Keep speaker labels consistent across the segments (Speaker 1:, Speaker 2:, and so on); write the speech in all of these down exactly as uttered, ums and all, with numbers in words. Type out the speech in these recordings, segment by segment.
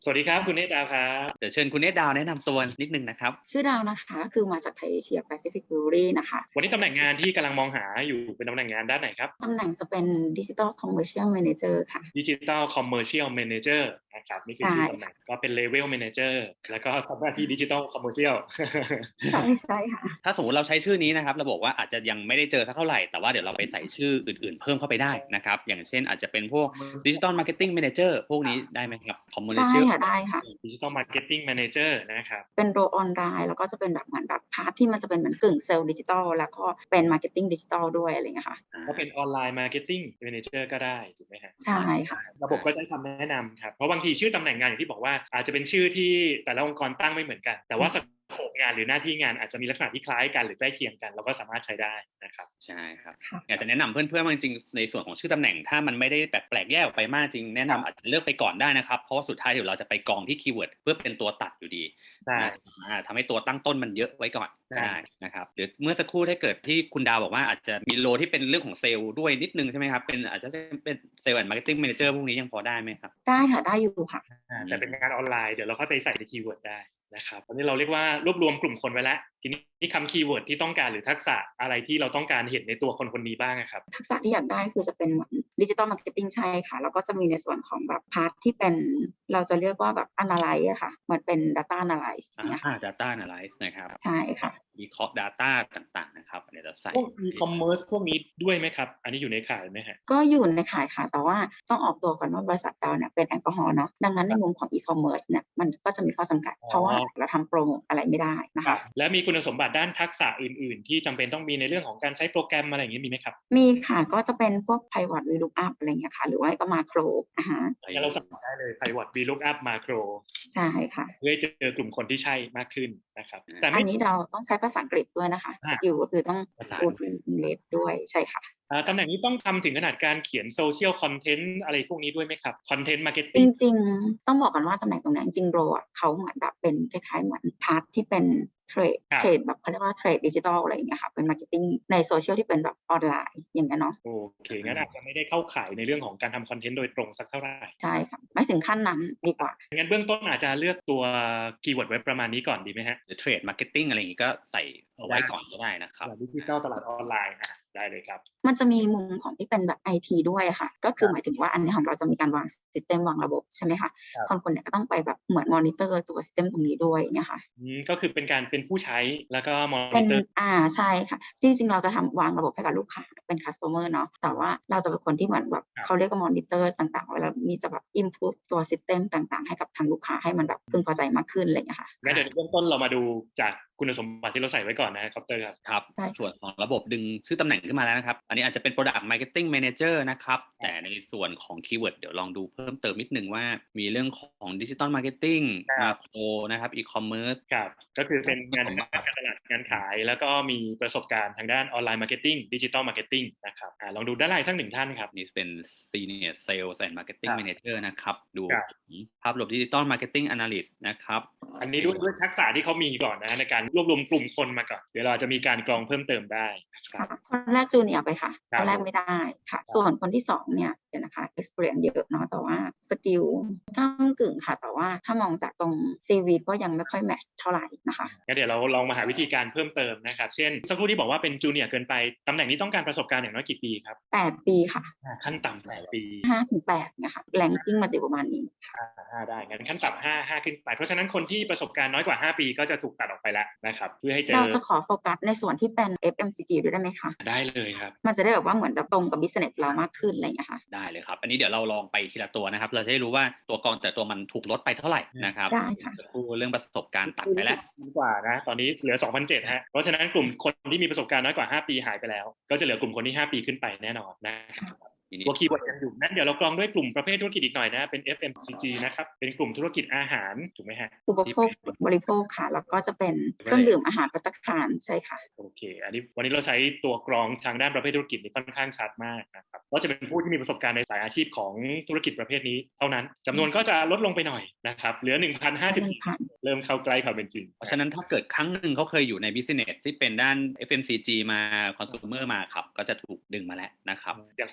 Speaker 1: สวัสดีครับคุณเนตดาวครับ
Speaker 2: เดี๋ยวเชิญคุณเนตดาวแนะนำตัวนิดนึงนะครับ
Speaker 3: ชื่อดาวนะคะคือมาจากไทยเอเชียแปซิฟิกบิวรี่นะคะ
Speaker 1: วันนี้ตำแหน่งงานที่กำลังมองหาอยู่เป็นตำแหน่งงานด้านไหนครับ
Speaker 3: ตำแหน่งจะเป็นดิจิทัลคอมเมอร์เชียลแมเนเจอร์ค่ะ
Speaker 1: ดิจิทัลคอมเมอร์เชียลแมเนเจอร์นะครับนี่คือ
Speaker 3: ใช่
Speaker 1: ชื่อตำแหน่งก็เป็นเลเวลแมเนเจอร์แล้วก็ทำหน้าที่ดิจิทัลคอมเมอร์เชียล
Speaker 3: ใช่ใช่ค่ะ
Speaker 2: ถ้าสมมติเราใช้ชื่อนี้นะครับเราบอกว่าอาจจะยังไม่ได้เจอสักเท่าไหร่แต่ว่าเดี๋ยวเราไปใส่ชื่ออื่นๆเพิ่มเข้าไปได้นะครับอย่างเช่นอาจจะเป็นพวกดิจิตอลมาร์เก็ตติ้งแมเนเจอร์พวกนี้ได้ไหมครับคอมมูนิ
Speaker 3: ได้
Speaker 2: ชั่น
Speaker 3: ค่ะได้ค่ะ
Speaker 1: ดิจิทัลมาร์เก็ตติ้งแมเนเจอร์นะครับ
Speaker 3: เป็นโรออนไลน์แล้วก็จะเป็นแบบเหมือนแบบพาร์ทที่มันจะเป็นเหมือนกึ่งเซลล์ดิจิทัลแล้วก็เป็นมาร์เก็ตติ้งดิจิทัลด้วยอะไรเงี้ยค่ะ
Speaker 1: ก็เป็นออนไลน์มาร์เก็ตติ้งแมเนเจอร์ก็ได้ถูกไหมฮะ
Speaker 3: ใช่ค่ะ
Speaker 1: ระบบก็จะให้คำแนะนำครับเพราะบางทีชื่อตำแหน่งงานอย่างที่บอกว่าอาจจะเป็นชื่อที่แต่ละองค์กรตั้งไม่เหมือนกันแต่ว่าสโคปงานหรือหน้าที่งานอาจจะมีลักษณะที่คล้ายกันหรือใกล้เคียงกันเราก็สามารถใช้ได้นะครับ
Speaker 2: ใช่ครับอยากจะแนะนำเพื่อนๆว่าจริงๆในส่วนของชื่อตำแหน่งถ้ามันไม่ได้แบบแปลกแยกออกไปมากจริงแนะนำอาจจะเลือกไปก่อนได้นะครับเพราะว่าสุดท้ายเดี๋ยวเราจะไปกองที่คีย์เวิร์ดเพื่อเป็นตัวตัดอยู่ดีทำให้ตัวตั้งต้นมันเยอะไว้ก่อนได้นะครับหรือเมื่อสักครู่ถ้าเกิดที่คุณดาวบอกว่าอาจจะมีโลที่เป็นเรื่องของเซลล์ด้วยนิดนึงใช่ไหมครับเป็นอาจจะเป็นเซลล์แอนด์มาร์เก็ตติ้งแมเนเจอร์พวกนี้ยังพอได้ไหมครับ
Speaker 3: ได้ค่ะได้อยู่ค่ะ
Speaker 1: แต่เป็นงานออนไลน์เดี๋ยวเราค่อยไปใส่ในคีย์เวิร์ดได้นะครับตอนนี้เราเรียกว่ารวบรวมกลุ่มคนไว้แล้วทีนี้คำคีย์เวิร์ดที่ต้องการหรือทักษะอะไรที่เราต้องการเห็นในตัวคนคนนี้บ้างครับ
Speaker 3: ทักษะที่อยากได้คือจะเป็นเหมือนดิจิตอลมาร์เก็ตติ้งใช่ค่ะแล้วก็จะมีในส่วนของแบบพาร์ทที่เป็นเราจะเรียกว่าแบบ analyze อะค่ะเหมือนเป็น data analyze เนี่ยค่ะ
Speaker 2: data analyze นะครับ
Speaker 3: ใช่ค่ะ
Speaker 2: วิเคราะห์ data ต่างๆนะครับเดี๋ยวเราใส่
Speaker 1: พวก e-commerce พวกนี้ด้วยไหมครับอันนี้อยู่ในข่ายไหมฮะ
Speaker 3: ก็อยู่ในข่ายค่ะแต่ว่าต้องออกตัวก่อนว่าบริษัทเราเนี่ยเป็นแอลกอฮอล์เนาะดังนั้นในมุมของ e-commerce เนี่ยมันก็จะมีข้อจำกัดเพราะว่าเราทำโปรโมทอะไรไม่ได้นะคะ
Speaker 1: และมีคุณสมบัติด้านทักษะอื่นๆที่จำเป็นต้องมีในเรื่องของการใช้โปรแกรมอะไรอย่างนี้มีไหมครับ
Speaker 3: มีค่ะก็จะเป็นพวก pivot vlookup อะไรเงี้ยค่ะหรือว่าก็ macro อ่าฮะ
Speaker 1: เราสั่งได้เลย pivot vlookup macro
Speaker 3: ใช่ค่ะ
Speaker 1: เพื่อเจอกลุ่มคนที่ใช่มากขึ้นนะครับ
Speaker 3: แต่อันนี้เราต้องใช้ภาษาอังกฤษด้วยนะคะสกิลก็คือต้องพูดเป็นอังกฤษด้วยใช่ค่ะ
Speaker 1: ตำแหน่งนี้ต้องทำถึงขนาดการเขียนโซเชียลคอนเทนต์อะไรพวกนี้ด้วยไหมครับคอนเทนต์มาร์เก็ตติ้
Speaker 3: งจริงๆต้องบอกกันว่าตำแหน่งตรงนี้จริงๆโรอ่ะเขาเหมือนแบบเป็นคล้ายๆเหมือนพาร์ทที่เป็นเทรดเทรดแบบเขาเรียกว่าเทรดดิจิทัลอะไรอย่างเงี้ยค่ะเป็นมาร์เก็ตติ้งในโซเชียลที่เป็นแบบออนไลน์อย่างเงี้ยเนาะ
Speaker 1: โอเคงั้นอาจจะไม่ได้เข้าข่ายในเรื่องของการทำคอนเทนต์โดยตรงสักเท่าไหร่
Speaker 3: ใช่ค่ะไม่ถึงขั้นนั้นดีกว่า
Speaker 1: งั้นเบื้องต้นอาจจะเลือกตัวคีย์เวิร์ดไว้ประมาณนี้ก่อนดีไหมฮะ
Speaker 2: หรือเทรดมาร์เก็ตติ้งอะไรอย่างงี้ก็ใส่เอาไว้ก่อนก็ได้นะครับ
Speaker 1: ดิจิทัลตลาดออนไลน์ได้เลยครับ
Speaker 3: มันจะมีมุมของที่เป็นแบบ ไอ ที ด้วยค่ะก็คือหมายถึงว่าอันนี้ของเราจะมีการวางซิสเต็มวางระบบใช่ไหมคะคนคนเนี่ยก็ต้องไปแบบเหมือนมอนิเตอร์ตัวซิสเต็มตรงนี้ด้วยเนี่ยค่ะ
Speaker 1: ก็คือเป็นการเป็นผู้ใช้แล้วก็มอ
Speaker 3: นิ
Speaker 1: เตอร์
Speaker 3: อ่าใช่ค่ะจริงๆเราจะทำวางระบบให้กับลูกค้าเป็น customer เนาะแต่ว่าเราจะเป็นคนที่เหมือนแบบเขาเรียกว่ามอนิเตอร์ต่างๆเวลามีจะแบบ improve ตัวซิสเต็มต่างๆให้กับทางลูกค้าให้มันแบบพึงพอใจมากขึ้นอะไรอย่างเงี้ยค่ะ
Speaker 1: งั้นเดี๋ยวเบื้องต้นเรามาดูจากคุณสมบัติที่เราใส่ไว้ก่อนนะครับเตอร์ครับ
Speaker 2: ครับส่วนของระบบดึงชื่อตำแหน่งขึ้นมาแล้วนะครับอันนี้อาจจะเป็น Product Marketing Manager นะครับแต่ในส่วนของคีย์เวิร์ดเดี๋ยวลองดูเพิ่มเติมนิดนึงว่ามีเรื่องของ Digital Marketing Macro นะครับ E-commerce
Speaker 1: ครับก็คือเป็นงานการตลาดงานขายแล้วก็มีประสบการณ์ทางด้านออนไลน์มาร์เก็ตติ้งดิจิทัลมาร์เก็ตติ้งนะครับลองดูด้านล่างสักหนึ่งท่านครับ
Speaker 2: นี่เป็น Senior Sales and Marketing Manager นะครับดูภาพรวม Digital Marketing Analyst นะครับ
Speaker 1: อันนี้ด้วยด้วยทักษะที่เขามีก่อนนะในการรวบรวมกลุ่มคนมาก่อนเดี๋ยวเราจะมีการกรองเพิ่มเติมได้
Speaker 3: ค่ะคนแรกจูเนียร์ไปค่ะคนแรกไม่ได้ค่ะส่วนคนที่สองเนี่ยเดี๋ยวนะคะ experience เยอะเนาะแต่ว่าสกิลก้ากึ่งค่ะแต่ว่าถ้ามองจากตรง ซี วี ก็ยังไม่ค่อยแมทช์เท่าไหร่นะคะ
Speaker 1: งั้นเดี๋ยวเราลองมาหาวิธีการเพิ่มเติมนะครับเช่นสักครู่ที่บอกว่าเป็นจูเนียร์เกินไปตำแหน่งนี้ต้องการประสบการณ์อย่างน้อยกี่ปีครับ
Speaker 3: แปดปีค่ะ
Speaker 1: ขั้นต่ำแปดปี
Speaker 3: ห้าถึงแปดเนี่ยค่ะแรงกิ้งมาสิประมาณนี้
Speaker 1: ค่ะห้าได้งั้นขั้นต่ำห้า ห้าขึ้นไปเพราะฉะนั้นคนที่ประสบการณ์น้อยกว่าห้าปีก็จะถูกตัดออกไปแล้วนะครับเพื่อให้เจอ
Speaker 3: เราจะขอโฟกัสในส่วนที่เป็น เอฟ เอ็ม ซี จี ด้วยได้ไหมคะ
Speaker 1: ได้เลยครับ
Speaker 3: มันจะได้แบบว่าเหมือนแบบตรงกับ business เรามากขึ้นอะไรอย่างเงี้ยค่ะ
Speaker 2: ได้เลยครับอันนี้เดี๋ยวเราลองไปทีละตัวนะครับเราจะได้รู้ว่าตัวกองแต่ตัวมันถูกลดไปเท่าไหร่นะครับ
Speaker 3: ได้ค่ะ
Speaker 2: เรื่องประสบการณ์ตัดไปแล้ว
Speaker 1: กว่านะตอนนี้เหลือ สองพันเจ็ดร้อย ฮะเพราะฉะนั้นกลุ่มคนที่มีประสบการณ์น้อยกว่าห้าปีหายไปแล้วก็จะเหลือกลุ่มคนที่ห้าปีขึ้นไปแน่นอนนะครับตัวคีย์เวิร์ดยังอยู่นั้นเดี๋ยวเรากรองด้วยกลุ่มประเภทธุรกิจอีกหน่อยนะเป็น เอฟ เอ็ม ซี จี นะครับเป็นกลุ่มธุรกิจอาหารถูกไหมฮะ
Speaker 3: อุปโภคบริโภคค่ะแล้วก็จะเป็นเครื่องดื่มอาหารภัตตาคารใช่ค่ะ
Speaker 1: โอเคอันนี้วันนี้เราใช้ตัวกรองทางด้านประเภทธุรกิจนี่ค่อนข้างชัดมากนะครับก็จะเป็นผู้ที่มีประสบการณ์ในสายอาชีพของธุรกิจประเภทนี้เท่านั้นจำนวนก็จะลดลงไปหน่อยนะครับเหลือ หนึ่งพันห้าสิบสี่ เริ่มเข้าใกล้ความเป็นจริง
Speaker 2: เพราะฉะนั้นถ้าเกิดครั้งหนึ่งเขาเคยอยู่ใน business ที่เป็นด้าน เอฟ เอ็ม ซี จี มา consumer มาครับก็จะถูกดึงมาแล้วนะครับ
Speaker 1: อย่างคนนี้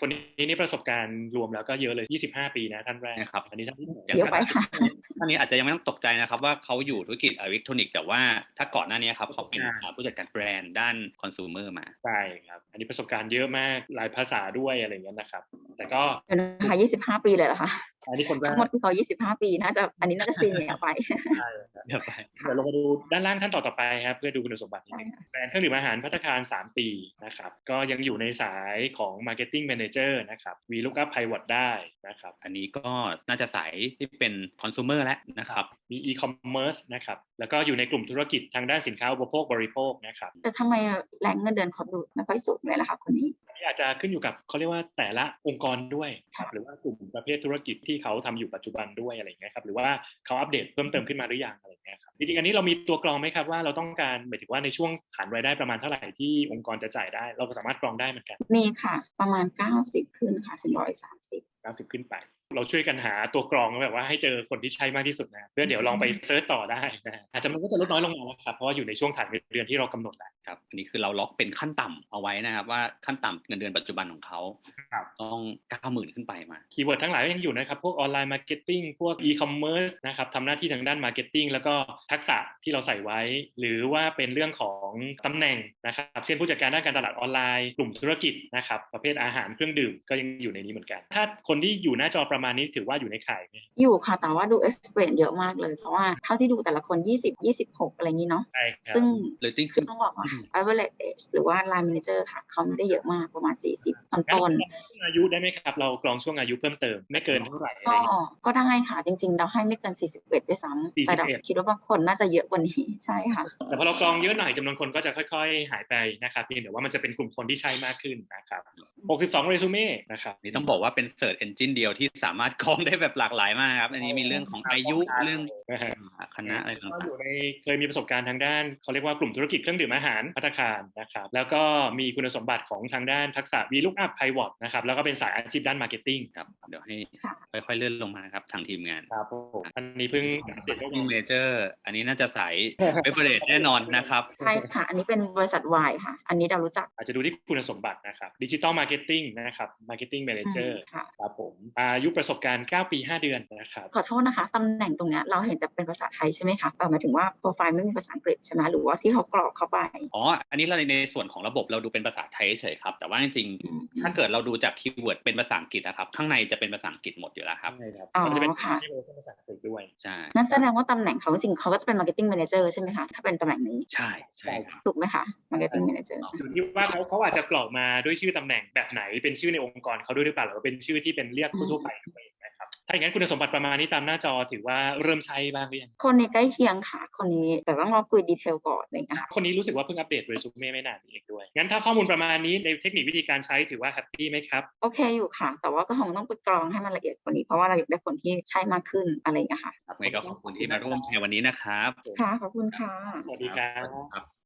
Speaker 1: นี่ประสบการณ์รวมแล้วก็เยอะเลยยี่สิบห้าปีนะท่านแรก
Speaker 2: นะครับ
Speaker 1: อันนี้ท่านที่หนึ่ง
Speaker 3: เดี๋ยวไปค่ะ
Speaker 2: ท่านนี้อาจจะยังไม่ต้องตกใจนะครับว่าเขาอยู่ธุรกิจอิเล็กทรอนิกส์แต่ว่าถ้าก่อนหน้านี้ครับเขาเป็นผู้จัดการแบรนด์ด้านคอน sumer มา
Speaker 1: ใช่ครับอันนี้ประสบการณ์เยอะมากหลายภาษาด้วยอะไรอย่างเงี้ยนะครับแต่ก็
Speaker 3: เดี๋ยวนะคะยี่สิบห้าปีเลยเหรอคะ
Speaker 1: อันนี้คนแรก
Speaker 3: ทั้งหมดคือเขายี่สิบห้าปีน่าจะอันนี้น่าจะซีเนียร์ไป
Speaker 1: ใช่
Speaker 2: เดี๋ยวไป
Speaker 1: เดี๋ยวลงมาดูด้านล่างขั้นต่อต่อไปครับเพื่อดูคุณสมบัตินิดนึงแบรนด์เครื่องดื่มอาหารภัตตาคารสามปีนะครับก็ยังอยู่ในสายของ Marketing Manager นะครับ VLOOKUP Pivot ได้นะครับ
Speaker 2: อันนี้ก็น่าจะสายที่เป็นคอน sumer แล้วนะครับ
Speaker 1: มี e-commerce นะครับแล้วก็อยู่ในกลุ่มธุรกิจทางด้านสินค้าอุปโภคบริโภคนะครับ
Speaker 3: แต่ทำไมแรงเงินเดือนเขาดูไม่ค่อยสูงเลยล่ะคะคนนี้
Speaker 1: อาจจะขึ้นอยู่กับเขาเรียกว่าแต่ละองค์กรด้วยหรือว่ากลุ่มประเภทธุรกิจที่เขาทำอยู่ปัจจุบันด้วยอะไรอย่างเงี้ยครับหรือว่าเขาอัปเดตเพิ่มเติมขึ้นมาหรือยังอะไรอย่างเงี้ยครับจริงๆอันนี้เรามีตัวกรองไหมครับว่าเราต้องการหมายถึงว่าในช่วงฐานรายได้ประมาณเท่าไหร่ที่องค์กรจะจ่ายได้เราก็สามารถกรองได้เหมือนกัน
Speaker 3: มีค่ะประมาณเก้าสิบขึ้นค่ะถึงหนึ่งร้อยสามสิบ
Speaker 1: เก้าสิบขึ้นไปเราช่วยกันหาตัวกรองแบบว่าให้เจอคนที่ใช่มากที่สุดนะเพื่อเดี๋ยวลองไปเซิร์ชต่อได้นะอาจจะมันก็จะลดน้อยลงมาแล้วครับเพราะว่าอยู่ในช่วงฐานเงินเดือนที่เรากำหนดแล้ว
Speaker 2: ครับอันนี้คือเราล็อกเป็นขั้นต่ำเอาไว้นะครับว่าขั้นต่ำเงินเดือนปัจจุบันของเขาต้อง เก้าหมื่น ขึ้นไปมา
Speaker 1: คีย์เวิร์ดทั้งหลายก็ยังอยู่นะครับพวกออนไลน์มาร์เก็ตติ้งพวกอีคอมเมิร์ซนะครับทำหน้าที่ทางด้านมาร์เก็ตติ้งแล้วก็ทักษะที่เราใส่ไว้หรือว่าเป็นเรื่องของตำแหน่งนะครับเช่นผู้จัดการด้านการตลาดออนไลน์กลุ่มธุรกิจนะครับประเภทอาหารเครื่องดื่มก็ยังอยู่ในนี้เหมือนกันถ้าคนที่อยู่หน้าจอประมาณนี้ถือว่าอยู่ในข่ายไหม
Speaker 3: อยู่ค่ะแต่ว่าดู experience เยอะมากเลยเพราะว่าเท่าที่ดูแต่ละคนยี่สิบ ยี่สิบหกอะไรอย่างนี้เนาะซึ่งคือต้องบอกว่า average age หรือว่า line manager ค่ะเขาไม่ได้เยอะมากประมาณสี่สิบต้น
Speaker 1: ๆอายุได้ไหมครับเรากรองช่วงอายุเพิ่มเติมไม่เกินเท่าไหร่
Speaker 3: ก็ก็ได้ค่ะจริงๆเราให้ไม่เกินสี่สิบเอ็ดด้วยซ้ำแต่เราคิดว่าบางคนน่าจะเยอะกว่านี้ใช่ค่ะ
Speaker 1: แต่พอเรากรองเยอะหน่อยจำนวนคนก็จะค่อยๆหายไปนะครับเพียงแต่ว่ามันจะเป็นกลุ่มคนที่ใช่มากขึ้นนะครับหกสิบสองเรซูเม่นะครับ
Speaker 2: นี่ต้องบอกว่าเป็น search engine เดียวที่สามารถกรองได้แบบหลากหลายมากครับอันนี้มีเรื่องของอายุเรื่องคณะอะไรต่างๆ
Speaker 1: อยู่ในเคยมีประสบการณ์ทางด้านเขาเรียกว่ากลุ่มธุรกิจเครื่องดื่มอาหารภัตตาคารนะครับแล้วก็มีคุณสมบัติของทางด้านทักษะ VLOOKUP Pivot นะครับแล้วก็เป็นสายอาชีพด้าน Marketing
Speaker 2: ครับเดี๋ยวให้ค่อยๆเลื่อนลงมาครับทางทีมงาน
Speaker 1: ครับผมอันนี้เพิ่ง
Speaker 2: เสร็จแล้วเมเจอร์อันนี้น่าจะสาย Beverage แน่นอนนะครับ
Speaker 3: ใช่ค่ะอันนี้เป็นบริษัทวายค่ะอันนี้เรารู้จัก
Speaker 1: อาจจะดูที่คุณสมบัตินะครับ Digital Marketing นะครับ Marketing Manager ครับผมอายุประสบการณ์เก้าปีห้าเดือนนะครับ
Speaker 3: ขอโทษนะคะตำแหน่งตรงนี้เราเห็นแต่เป็นภาษาไทยใช่ไหมคะหมายถึงว่าโปรไฟล์ไม่มีภาษาอังกฤษใช่ไหมหรือว่าที่เขากรอกเข้าไป
Speaker 2: อ๋ออันนี้เราในส่วนของระบบเราดูเป็นภาษาไทยเฉยครับแต่ว่าจริงๆถ้าเกิดเราดูจากคีย์เวิร์ดเป็นภาษาอังกฤษนะครับข้างในจะเป็นภาษาอังกฤษหมดอยู่แล้วครับ
Speaker 3: อ๋อ
Speaker 1: ค่ะภาษาอังกฤษด้วย
Speaker 2: ใช่
Speaker 3: งั้นแสดงว่าตำแหน่งเขาจริงเขาก็จะเป็น Marketing Manager ใช่ไหมคะถ้าเป็นตำแหน่งนี้
Speaker 2: ใช่ใช่ครับ
Speaker 3: ถูกไหมคะ Marketing Manager
Speaker 1: อยู่ที่ว่าเขาเขาอาจจะกรอกมาด้วยชื่อตำแหน่งแบบไหนเป็นชื่อในองค์กรเขาด้วยหรือเปล่าหรือเป็นชื่อที่เป็นเรียกทั่วไปนะครับถ้าอย่างนั้นคุณสมบัติประมาณนี้ตามหน้าจอถือว่าเริ่มใช้บ้างหรือยัง
Speaker 3: คนนี้ใกล้เคียงค่ะคนนี้แต่ต้องรอคุยดีเทลก่อนอะไรอย่างเงี้ยค่ะ
Speaker 1: คนนี้รู้สึกว่าเพิ่งอัปเดตเรซูเม่ไม่นานนี้เองด้วยงั้นถ้าข้อมูลประมาณนี้ในเทคนิควิธีการใช้ถือว่าแฮปปี้ไหมครับ
Speaker 3: โอเคอยู่ค่ะแต่ว่าก็คงต้องไปกรองให้มันละเอียดกว่านี้เพราะว่าเราอยากได้คนที่ใช่มากขึ้นอะไรอย่างเงี้ยค่ะ
Speaker 2: ครับงั้นก็ขอบคุณที่มาร่วมในวันนี้นะครับ
Speaker 3: ค่ะขอบคุณค่ะ
Speaker 1: สวัสดีครับ